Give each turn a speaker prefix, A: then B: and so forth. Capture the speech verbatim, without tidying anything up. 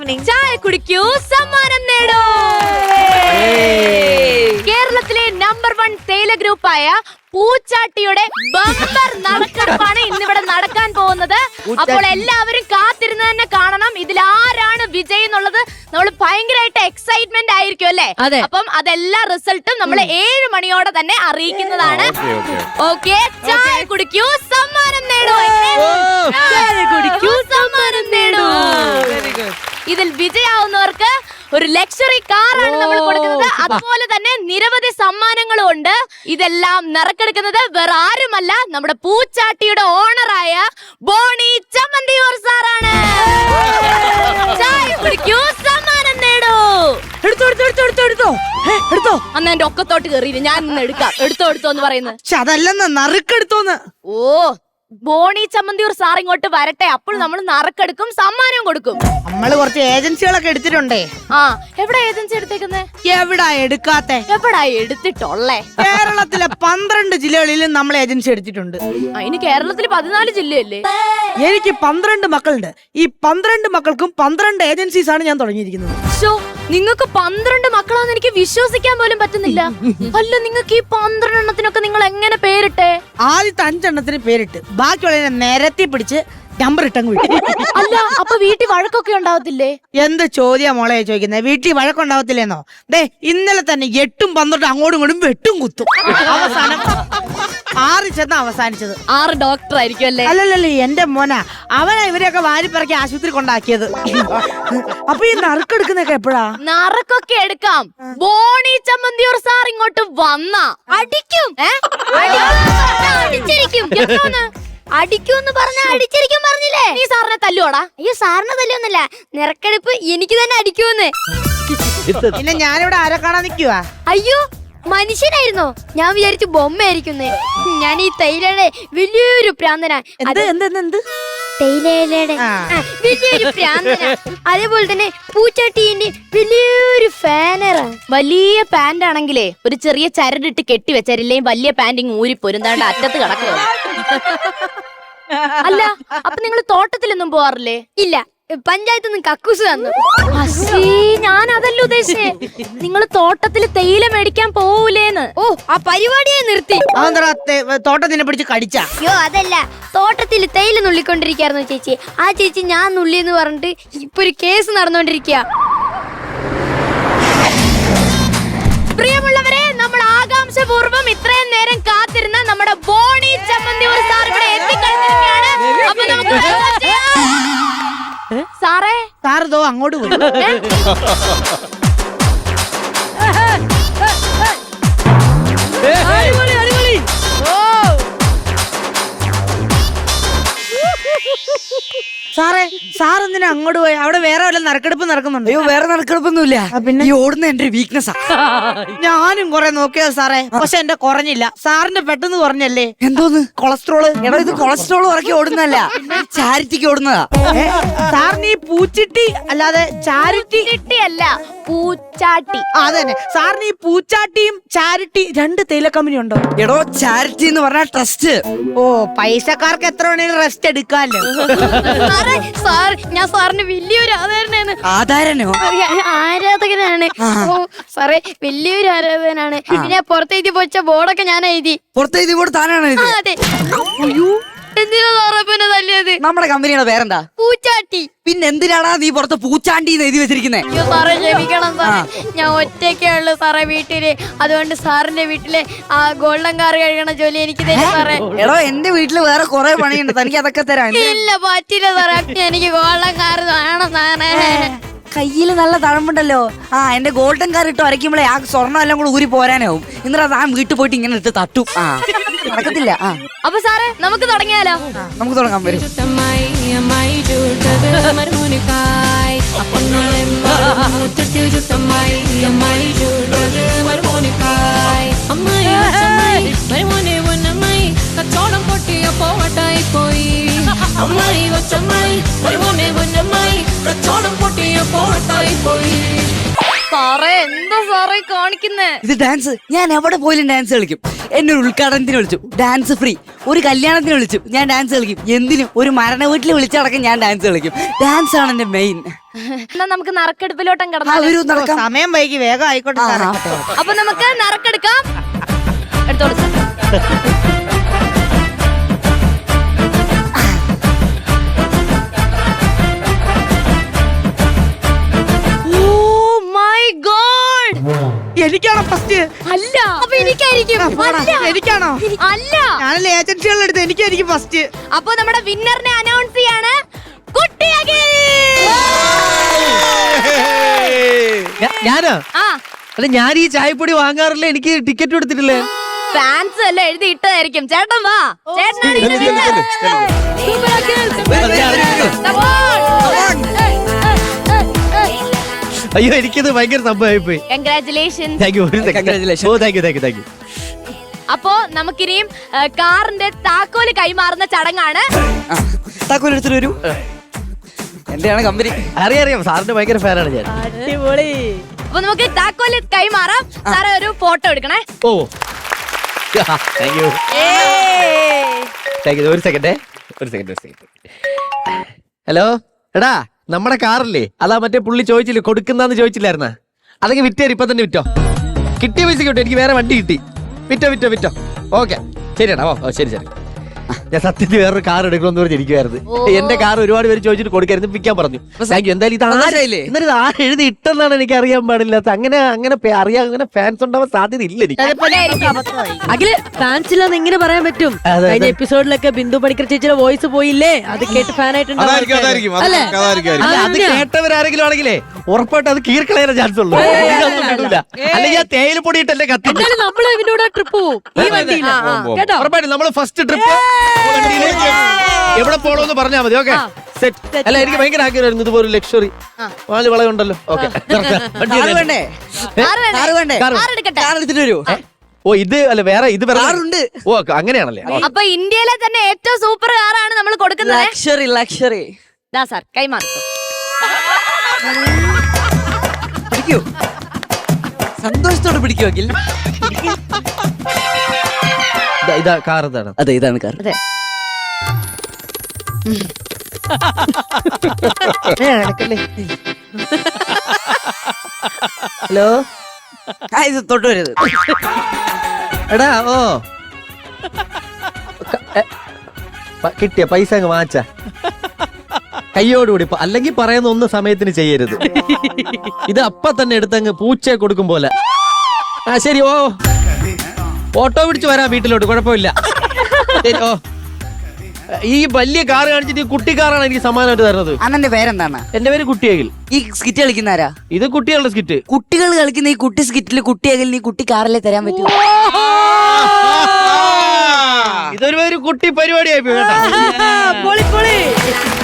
A: Evening.
B: ചായ കുടിക്കൂ, സമ്മാനം നേടൂ. കേരളത്തിലെ നമ്പർ വൺ തേയില ഗ്രൂപ്പായ പൂച്ചാട്ടിയുടെ ബമ്പർ നറുക്കെടുപ്പാണ് ഇന്നിവിടെ നടക്കാൻ പോകുന്നത്. അപ്പോൾ എല്ലാവരും കാത്തിരുന്ന് തന്നെ കാണണം. ഇതിൽ ആരാണ് വിജയി എന്നുള്ളത് നമ്മൾ ഭയങ്കരമായിട്ട് എക്സൈറ്റ്മെന്റ് ആയിരിക്കും അല്ലേ? അപ്പം അതെല്ലാ റിസൾട്ടും നമ്മൾ ഏഴ് മണിയോടെ തന്നെ അറിയിക്കുന്നതാണ്. ഓക്കെ, ചായ കുടിക്കൂ, സമ്മാനം നേടൂ. ചായ കുടിക്കൂ, സമ്മാനം നേടൂ. ഇതിൽ വിജയാവുന്നവർക്ക് ഒരു ലക്ഷറി കാറാണ് നമ്മൾ കൊടുക്കുന്നത്. അതുപോലെ തന്നെ നിരവധി സമ്മാനങ്ങളും ഉണ്ട്. ഇതെല്ലാം നറുക്കെടുക്കുന്നത് വേറെ ആരുമല്ല, നമ്മുടെ പൂച്ചാട്ടിയുടെ ഓണറായ ബോണി ചമ്മന്തിയൂർ സാറാണ്. ചായ കുടിക്കൂ, സമ്മാനം നേടൂ.
A: എടുത്തോ എടുത്തോ എടുത്തോ എടുത്തോ എടുത്തോ എടുത്തോ.
B: അന്ന് എന്റെ ഒക്കത്തോട്ട് കയറിയില്ല, ഞാൻ ഇന്ന് എടുക്കാം. എടുത്തോ എടുത്തോ എന്ന് പറയുന്നത്.
A: പക്ഷെ അതല്ലെന്ന്, നറുക്കെടുത്തോന്ന്.
B: ഓ, ബോണി ചമ്മന്തിയൂർ സാർ ഇങ്ങോട്ട് വരട്ടെ, അപ്പോൾ നമ്മൾ നറുക്കെടുക്കും, സമ്മാനവും കൊടുക്കും.
A: നമ്മള് കുറച്ച് ഏജൻസികളൊക്കെ എടുത്തിട്ടുണ്ടേ.
B: ആ, എവിടെ ഏജൻസി എടുത്തേക്കുന്നേ?
A: എവിടാ എടുക്കാത്തെ?
B: എവിടാ എടുത്തിട്ടുള്ളേ?
A: കേരളത്തിലെ പന്ത്രണ്ട് ജില്ലകളിലും നമ്മൾ ഏജൻസി എടുത്തിട്ടുണ്ട്.
B: അതിന് കേരളത്തിൽ പതിനാല് ജില്ലയല്ലേ?
A: എനിക്ക് പന്ത്രണ്ട് മക്കളുണ്ട്. ഈ പന്ത്രണ്ട് മക്കൾക്കും പന്ത്രണ്ട് ഏജൻസീസ് ആണ് ഞാൻ തുടങ്ങിയിരിക്കുന്നത്.
B: നിങ്ങൾക്ക് പന്ത്രണ്ട് മക്കളാന്ന് എനിക്ക് വിശ്വസിക്കാൻ പോലും പറ്റുന്നില്ല. അല്ല, നിങ്ങൾക്ക് ഈ പന്ത്രണ്ട് എണ്ണത്തിനൊക്കെ നിങ്ങൾ എങ്ങനെ പേരിട്ടെ?
A: ആദ്യത്തെ അഞ്ചെണ്ണത്തിന് പേരിട്ട് ബാക്കിയുള്ളതിനെ നിരത്തി പിടിച്ച് നമ്പർ ഇട്ടങ്ങ് വിട്ടു.
B: അല്ല, അപ്പൊ വീട്ടിൽ വഴക്കൊക്കെ ഉണ്ടാവത്തില്ലേ?
A: എന്ത് ചോദ്യാ മോളെ ചോദിക്കുന്നത്? വീട്ടിൽ വഴക്കുണ്ടാവത്തില്ലേന്നോ? ദേ, ഇന്നലെ തന്നെ എട്ടും പന്ത്രണ്ടും അങ്ങോട്ടും ഇങ്ങോട്ടും വെട്ടും കുത്തും. അവസാനം ആറ് ചെന്ന് അവസാനിച്ചത്.
B: ആറ് ഡോക്ടർ ആയിരിക്കും അല്ലേ?
A: അല്ലല്ലേ, എന്റെ മോനാ. അവനാ ഇവരെയൊക്കെ വാരിപ്പിറക്കി ആശുപത്രി കൊണ്ടാക്കിയത്. അപ്പൊ ഈ നറുക്കെടുക്കുന്നൊക്കെ എപ്പോഴാ?
B: നറുക്കൊക്കെ എടുക്കാം. ബോണി ചമ്മന്തിയൂർ സാർ ഇങ്ങോട്ട് വന്ന അടിക്കും. അടിച്ചിരിക്കും.
C: അടിക്കൂന്ന് പറഞ്ഞ അടിച്ചിരിക്കും പറഞ്ഞില്ലേ?
B: നീ സാറിനെ തല്ലുവാടാ?
C: അയ്യോ, സാറിനെ തല്ലൊന്നുമില്ല, നിറക്കെടുപ്പ് എനിക്ക് തന്നെ അടിക്കൂന്ന്.
A: പിന്നെ ഞാനിവിടെ ആരെ കാണാൻ നിക്കുവാ?
C: അയ്യോ, മനുഷ്യനായിരുന്നോ? ഞാൻ വിചാരിച്ചു ബൊമ്മയായിരിക്കുന്നേ. ഞാൻ ഈ തൈലയുടെ വലിയൊരു പ്രാന്തനാ. തേയിലയുടെ വലിയൊരു പ്രാന്തനാ. അതേപോലെ തന്നെ പൂച്ചാട്ടീന്റെ വലിയൊരു ഫാനറാ.
B: വലിയ പാന്റ് ആണെങ്കിലേ ഒരു ചെറിയ ചരടിട്ട് കെട്ടി വെച്ചാരില്ലേ വലിയ പാന്റിങ് ഊരി പൊരുന്നാണ്ട് അറ്റത്ത് കിടക്കുക. അല്ല, അപ്പൊ നിങ്ങൾ തോട്ടത്തിലൊന്നും പോവാറില്ലേ?
C: ഇല്ല, പഞ്ചായത്ത് നിന്ന് കക്കൂസ് തന്നു.
B: ഞാൻ അതല്ല ഉദ്ദേശിച്ചേ, നിങ്ങൾ തോട്ടത്തിൽ തേയില മേടിക്കാൻ പോവൂലേന്ന്.
C: ഓ, ആ പരിപാടിയെ നിർത്തി.
A: തോട്ടത്തിനെ പിടിച്ച് കടിച്ച?
C: അയ്യോ, അതല്ല, തോട്ടത്തിൽ തേയില നുള്ളിക്കൊണ്ടിരിക്കായിരുന്നു ചേച്ചി. ആ ചേച്ചി ഞാൻ നുള്ളിയെന്ന് പറഞ്ഞിട്ട് ഇപ്പൊ ഒരു കേസ് നടന്നുകൊണ്ടിരിക്കുക.
B: പ്രിയമുള്ളവരെ, നമ്മൾ ആകാംക്ഷപൂർവ്വം ഇത്രയും നേരം കാത്തിരുന്ന നമ്മുടെ ബോണി ചമ്മന്തിയൂർ സാർ ഇവിടെ എത്തിക്കഴിഞ്ഞിരിക്കുകയാണ്. അപ്പൊ നമുക്ക് സാറേ,
A: സാറോ അങ്ങോട്ട് പോയി. സാറേ, സാർ എന്തിനാ അങ്ങോട്ട് പോയി? അവിടെ വേറെ വല്ല നറുക്കെടുപ്പ് നടക്കുന്നുണ്ട്?
D: അയ്യോ, വേറെ നറുക്കെടുപ്പൊന്നുമില്ല.
A: പിന്നെ
D: ഈ ഓടുന്ന എന്റെ വീക്ക്നെസ്സാ.
A: ഞാനും കൊറേ നോക്കിയത് സാറേ, പക്ഷെ എന്റെ കുറഞ്ഞില്ല. സാറിന്റെ പെട്ടെന്ന് കുറഞ്ഞല്ലേ?
D: എന്തോന്ന്?
A: കൊളസ്ട്രോള്.
D: എടാ, ഇത് കൊളസ്ട്രോൾ ഇറക്കി ഓടുന്നതല്ല, ചാരിറ്റിക്ക് ഓടുന്നതാ.
A: സാറിന് ഈ പൂച്ചിട്ടി അല്ലാതെ ചാരിറ്റി
B: അല്ല, പൂച്ചാട്ടി.
A: അതന്നെ. സാറിന് ഈ പൂച്ചാട്ടിയും ചാരിറ്റി രണ്ട് തേയില കമ്പനി ഉണ്ടോ?
D: എടോ, ചാരിറ്റി എന്ന് പറഞ്ഞാൽ ട്രസ്റ്റ്.
A: ഓ, പൈസക്കാർക്ക് എത്ര വേണേലും റെസ്റ്റ് എടുക്കാല്ലോ.
C: സാർ, ഞാൻ സാറിന് വലിയൊരു ആധാരനാണ്.
D: ആധാരനോ?
C: ആരാധകനാണ്. ഓ സാറേ, വലിയൊരു ആരാധകനാണ്. പിന്നെ പുറത്തെഴുതി പോച്ച ബോർഡൊക്കെ ഞാൻ എഴുതി.
D: പുറത്തെഴുതി ബോർഡ് താനാണ് ഇത്?
C: അതെ. എന്തിനാ സാറേ പിന്നെ തല്ലിയത്?
D: നമ്മുടെ കമ്പനിയുടെ പേരെന്താ?
C: പൂച്ചാട്ടി.
D: പിന്നെ എന്തിനാടാ നീ പുറത്ത് പൂച്ചാണ്ടി എന്ന് എഴുതി വെച്ചിരിക്കുന്നേ?
C: അയ്യോ സാറേ, ക്ഷമിക്കണം സാറേ, ഞാൻ ഒറ്റയ്ക്കേ ഉള്ളു സാറേ വീട്ടില്. അതുകൊണ്ട് സാറിന്റെ വീട്ടിലെ ആ ഗോൾഡൻ കാർ കഴുകണ ജോലി എനിക്ക് തരും സാറേ.
D: എടോ, എന്റെ വീട്ടില് വേറെ കുറെ പണിയുണ്ട്, തനിക്ക് അതൊക്കെ തരാം.
C: ഇല്ല, പറ്റില്ല സാറേ, എനിക്ക് ഗോൾഡൻ കാർ വേണം സാറേ.
D: കയ്യില് നല്ല തഴമ്പുണ്ടല്ലോ. ആ, എന്റെ ഗോൾഡൻ കാർ ഇട്ട് വരയ്ക്കുമ്പോഴേ ആ സ്വർണ്ണം എല്ലാം കൂടെ ഊരി പോരാനാവും. എന്നിട്ട് ആ വീട്ടിൽ പോയിട്ട് ഇങ്ങനെ ഇട്ട് തട്ടും. ആ, നടക്കത്തില്ല. ആ,
B: അപ്പൊ സാറേ, നമുക്ക് തുടങ്ങിയാലോ?
D: നമുക്ക് തുടങ്ങാൻ വരും.
E: കച്ചോടം പൊട്ടിയ പോവട്ടായി പോയി അമ്മായി കൊച്ചമ്മായി ഒരുപോലെ പൊന്നമ്മായി കച്ചോടം പൊട്ടിയ പോവട്ടായി പോയി.
B: സാറേ, എന്താ സാറേ കാണിക്കുന്നേ?
D: ഇത് ഡാൻസ്. ഞാൻ എവിടെ പോയാലും ഡാൻസ് കളിക്കും. എന്നെ ഒരു ഉദ്ഘാടനത്തിന് വിളിച്ചു, ഡാൻസ് ഫ്രീ. ഒരു കല്യാണത്തിന് വിളിച്ചു, ഞാൻ ഡാൻസ് കളിക്കും. എന്തിനും ഒരു മരണ വീട്ടിൽ വിളിച്ചടക്കം ഞാൻ ഡാൻസ് കളിക്കും. ഡാൻസ് ആണ് എന്റെ മെയിൻ.
B: എന്നാ നമുക്ക് നറുക്കെടുപ്പിലോട്ടം
D: ആ,
B: കിടന്നാലോ
D: വരൂ നടക്കാം.
A: സമയം വൈകി വേഗം ആയിക്കോട്ടെ
D: ആ,
A: സാറേ.
D: ആവട്ടെ.
B: അപ്പൊ നമുക്ക് നറുക്കെടുക്കാം. എടുത്തോളൂ സാർ. Oh my God!
A: എനിക്കാണോ ഫസ്റ്റ്?
B: അല്ല അപ്പൊ എനിക്കായിരിക്കും. അല്ല.
A: എനിക്കാണോ?
B: അല്ല.
A: ഞാനല്ലേ ഏജൻസികളുടെ അടുത്ത് എനിക്കായിരിക്കും ഫസ്റ്റ്.
B: അപ്പൊ നമ്മുടെ വിന്നറിനെ അനൗൺസ് ചെയ്യാണ് കുട്ടി അഖിൽ.
F: ഞാ- ഞാനോ
B: ആ
F: അല്ല ഞാൻ ഈ ചായപ്പൊടി വാങ്ങാറില്ല, എനിക്ക് ടിക്കറ്റ് എടുത്തിട്ടില്ലേ?
B: ഫാൻസ് എല്ലാം എഴുതി ഇട്ടതായിരിക്കും. ചേട്ടൻ വാ. ചേട്ടനാണ് ഇതിന്റെ
G: ചെല്ല്, ചെല്ല്,
B: winner.
G: ചെല്ല്.
B: Super അഖിൽ. Come on.
F: അയ്യോ എനിക്കിത് ഭയങ്കര സംഭവമായി പോയി.
B: Congratulations.
F: Thank you.
D: Congratulations.
F: ഓ thank you thank you thank you.
B: അപ്പോ നമുക്കിനിയും ഏ, കാറിന്റെ താക്കോല് കൈമാറുന്ന ചടങ്ങാണ്.
D: താക്കോൽ എടുത്തിട്ട് വരൂ. എന്റെയാണ് കമ്പനി.
F: അറിയാം അറിയാം, സാറിന്റെ ഭയങ്കര ഫാനാണ് ഞാൻ.
B: അപ്പൊ നമുക്ക് താക്കോല് കൈമാറാം. സാറേ ഒരു ഫോട്ടോ എടുക്കണേ.
F: ഓ താങ്ക് യു താങ്ക് യു. ഒരു സെക്കൻഡേ ഒരു സെക്കൻഡ് ഒരു സെക്കൻഡ്. ഹലോ എടാ, നമ്മുടെ കാറില്ലേ അതാ മറ്റേ പുള്ളി ചോദിച്ചില്ലേ കൊടുക്കുന്നാന്ന് ചോദിച്ചില്ലായിരുന്ന, അതൊക്കെ വിറ്റേര് ഇപ്പൊ തന്നെ വിറ്റോ. കിട്ടിയ പൈസ കിട്ടും, എനിക്ക് വേറെ വണ്ടി കിട്ടി. വിറ്റോ വിറ്റോ വിറ്റോ. ഓക്കെ ശരിയാടാ. ഓ ഓ ശരി ശരി. ഞാൻ സത്യത്തിൽ വേറൊരു കാർ എടുക്കണമെന്ന് പറഞ്ഞിരിക്കുവായിരുന്നു. എന്റെ കാർ ഒരുപാട് പേര് ചോദിച്ചിട്ട് കൊടുക്കായിരുന്നു, വിൽക്കാൻ പറഞ്ഞു. Thank you. എന്തായാലും ഇത്
D: സന്തോഷായില്ലേ?
F: എന്നാലും ഇത് ആര് എഴുതി ഇട്ടെന്നാണ് എനിക്ക് അറിയാൻ പാടില്ലാത്ത. അങ്ങനെ അങ്ങനെ പേ- അറിയാൻ അങ്ങനെ ഫാൻസ് ഉണ്ടാവാൻ സാധ്യത ഇല്ല എനിക്ക്.
H: അഖില് ഫാൻസില്ലെന്ന് എങ്ങനെ പറയാൻ പറ്റും?
F: അതെ.
H: കഴിഞ്ഞ എപ്പിസോഡിലൊക്കെ ബിന്ദു പണിക്കർ ചേച്ചിയുടെ വോയിസ് പോയില്ലേ, അത് കേട്ട് ഫാൻ
G: അതായിരിക്കും അതായിരിക്കും അതായിരിക്കും അതായിരിക്കും
F: അല്ല, അത് കേട്ടവരാരെങ്കിലും ആണെങ്കിലേ ഉറപ്പായിട്ട് അത് കീർക്കളയാൻ ചാൻസ് ഉള്ളൂ. ഇതൊന്നും വിടൂല. അല്ലെങ്കിൽ ആ തേയില പൊടിയിട്ടല്ലേ കത്തി.
H: എന്നാലും നമ്മള് ഇവനോട് ട്രിപ്പ് പോവും ഈ വണ്ടിയില്ല കേട്ടോ.
F: ഉറപ്പായിട്ടും നമ്മള് ഫസ്റ്റ് ട്രിപ്പ് എവിടെ പോണോന്ന് പറഞ്ഞാൽ മതി. Okay set. അല്ല എനിക്ക് ഭയങ്കര ആഗ്രഹമായിരുന്നു ഇതുപോലെ ലക്ഷറി വാല് വളയുണ്ടല്ലോ. ഓക്കെ
D: കാറ് വേണ്ടേ?
B: ആറ് വേണ്ടേ?
D: കാറ് വേണ്ടേ?
F: കാറ്.
B: ആറ് എടുക്കട്ടെ.
D: കാർ എടുത്തിട്ട് വരൂ.
F: ഓ ഇത് അല്ല വേറെ ഇത് വേറെ
D: കാറുണ്ട്.
F: ഓ അങ്ങനെയാണല്ലേ.
B: അപ്പൊ ഇന്ത്യയിലെ തന്നെ ഏറ്റവും സൂപ്പർ കാറാണ് നമ്മൾ കൊടുക്കുന്നത്.
D: Luxury luxury.
B: ദാ സാർ കൈമാറി.
D: പിടിക്കൂ. സന്തോഷത്തോടെ പിടിക്കൂ അഖിൽ.
F: ഇതാ- ഇതാ കാർ ഇതാണ്.
D: അതെ ഇതാണ് കാർ.
F: ഹലോ
D: ആ ഇത് തൊട്ട് വരരുത്.
F: എടാ ഓ ക- എ, പ- കിട്ടിയ പൈസ അങ്ങ് വാങ്ങിച്ച കയ്യോടുകൂടി പ- അല്ലെങ്കിൽ പറയുന്ന ഒന്ന് സമയത്തിന് ചെയ്യരുത്. ഇത് അപ്പ തന്നെ എടുത്തങ്ങ് പൂച്ചയെ കൊടുക്കും പോലെ. ആ ശരി. ഓ ഓട്ടോ പിടിച്ച് വരാം വീട്ടിലോട്ട്, കുഴപ്പമില്ല. ശരി. ഓ ഈ വലിയ കാർ കാണിച്ചിട്ട് ഈ കുട്ടി കാറാണ് എനിക്ക് സമ്മാനമായിട്ട് തരുന്നത്.
D: അണ്ണന്റെ പേരെന്താണ്?
F: എന്റെ പേര് കുട്ടിയകിൽ.
D: ഈ സ്കിറ്റ് കളിക്കുന്നാരാ?
F: ഇത് കുട്ടികളുടെ സ്കിറ്റ്.
D: കുട്ടികൾ കളിക്കുന്ന ഈ കുട്ടി സ്കിറ്റില് കുട്ടി അകലിന് ഈ കുട്ടി കാറിലെ തരാൻ പറ്റുമോ?
F: ഇതൊരു ഒരു കുട്ടി പരിപാടിയായി പോയി കേട്ടോ.
H: പൊളി പൊളി.